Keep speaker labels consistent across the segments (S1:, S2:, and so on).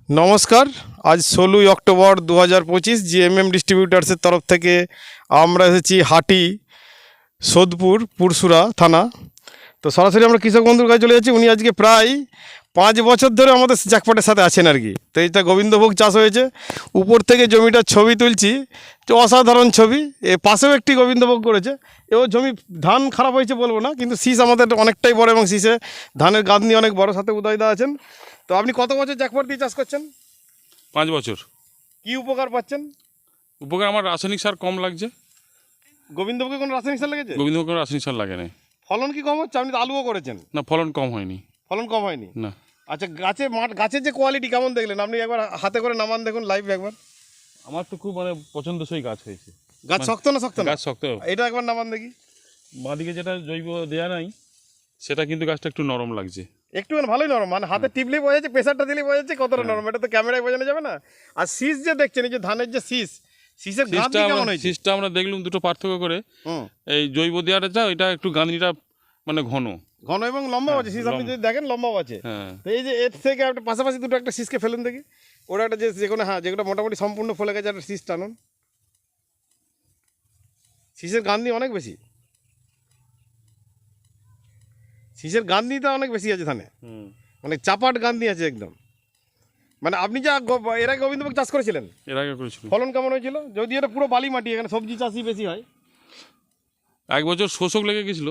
S1: নমস্কার। আজ 16ই October 2025 GMm ডিস্ট্রিবিউটার্সের তরফ থেকে আমরা এসেছি হাটি সোদপুর পুরসুরা থানা। তো সরাসরি আমরা কৃষক বন্ধুর কাছে চলে যাচ্ছি। উনি আজকে প্রায় 5 বছর ধরে আমাদের জ্যাকপটের সাথে আছেন আর কি। তো এটা গোবিন্দভোগ চাষ হয়েছে, উপর থেকে জমিটার ছবি তুলছি, তো অসাধারণ ছবি। এ পাশেও একটি গোবিন্দভোগ করেছে। এও জমি ধান খারাপ হয়েছে বলবো না, কিন্তু শীষ আমাদের অনেকটাই বড় এবং শীষে ধানের গাঁদনি অনেক বড়, সাথে উদয়দা আছেন। তো আপনি কত বছর জ্যাকপট দিয়ে চাষ করছেন?
S2: 5 বছর।
S1: কি উপকার পাচ্ছেন?
S2: উপকার আমার রাসায়নিক সার কম লাগছে।
S1: গোবিন্দভোগে কোনো রাসায়নিক সার লেগেছে?
S2: গোবিন্দভোগ কোনো রাসায়নিক সার লাগে না।
S1: ফলন কি কম হচ্ছে? আপনি তো আলুও করেছেন।
S2: না, ফলন কম হয়নি।
S1: ফলন কম হয়নি?
S2: না।
S1: আচ্ছা, গাছের যে কোয়ালিটি কেমন দেখলেন আপনি? একবার হাতে করে নামান দেখুন, লাইভ একবার।
S2: আমার তো খুব পছন্দসই গাছ হয়েছে।
S1: গাছ শক্ত না? শক্ত না?
S2: গাছ শক্ত।
S1: এটা একবার নামান দেখি।
S2: বাঁদিকে যেটা জৈব দেয়া নাই, সেটা কিন্তু গাছটা একটু নরম লাগছে।
S1: একটু ভালোই নরম, মানে হাতে টিপলেই বোঝা যাচ্ছে, প্রেসারটা দিলেই বোঝা যাচ্ছে কতটা নরম। এটা তো ক্যামেরায় বোঝানো যাবে না। আর শীষ যে দেখছেন, এই যে ধানের যে শীষের গাঁদনি কেমন হয়েছে?
S2: শীষটা আমরা দেখলাম দুটো পার্থক্য করে। এই জৈব দেওয়াটা এটা একটু গাঁদনিটা ঘন
S1: ঘন এবং লম্বা আছে। শীষ আপনি যদি দেখেন লম্বাও আছে। তো এই যে এর থেকে একটা পাশাপাশি দুটো একটা শীষকে ফেলেন দেখি। ওরা একটা যে কোনো, হ্যাঁ, যেগুলো মোটামুটি সম্পূর্ণ ফলে গেছে, একটা শীষ টানুন। শীষের গাঁদনি অনেক বেশি, শীষের গাঁদনিটা অনেক বেশি আছে ধানে। মানে চাপাট গাঁদনি আছে একদম। মানে আপনি যা এর আগে গোবিন্দভোগ চাষ করেছিলেন?
S2: এর আগে করেছিল।
S1: ফলন কেমন হয়েছিল? যদি এটা পুরো বালি মাটি, এখানে সবজি চাষই বেশি হয়।
S2: 1 বছর শোষক লেগে গেছিল।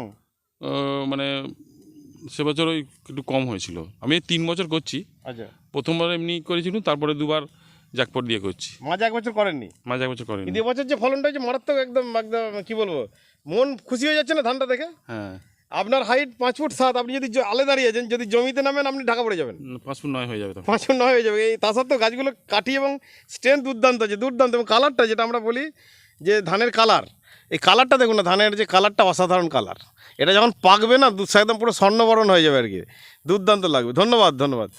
S2: সে বছর ওই একটু কম হয়েছিল। আমি 3 বছর করছি।
S1: আচ্ছা,
S2: প্রথমবার এমনি করেছিলাম, তারপরে 2বার জ্যাকপট দিয়ে করছি।
S1: মাঝে 1 বছর করেননি?
S2: মাঝে 1 বছর করেনি।
S1: কিন্তু এবছর যে ফলনটা হয়েছে মারাত্মক, একদম একদম কি বলবো, মন খুশি হয়ে যাচ্ছে না ধানটা দেখে?
S2: হ্যাঁ।
S1: আপনার হাইট 5 ফুট 7, আপনি যদি আলে দাঁড়িয়ে আছেন, যদি জমিতে নামেন আপনি ঢাকা পড়ে যাবেন।
S2: 5 ফুট 9 হয়ে যাবে।
S1: 5 ফুট 9 হয়ে যাবে। এই তা সত্ত্বেও গাছগুলো কাটি এবং স্ট্রেংথ দুর্দান্ত আছে, দুর্দান্ত। এবং কালারটা যেটা আমরা বলি যে ধানের কালার, এই কালারটা দেখুন না, ধানের যে কালারটা অসাধারণ কালার। এটা যখন পাকবে না, একদম পুরো স্বর্ণবরণ হয়ে যাবে আর কি, দুর্দান্ত লাগবে। ধন্যবাদ।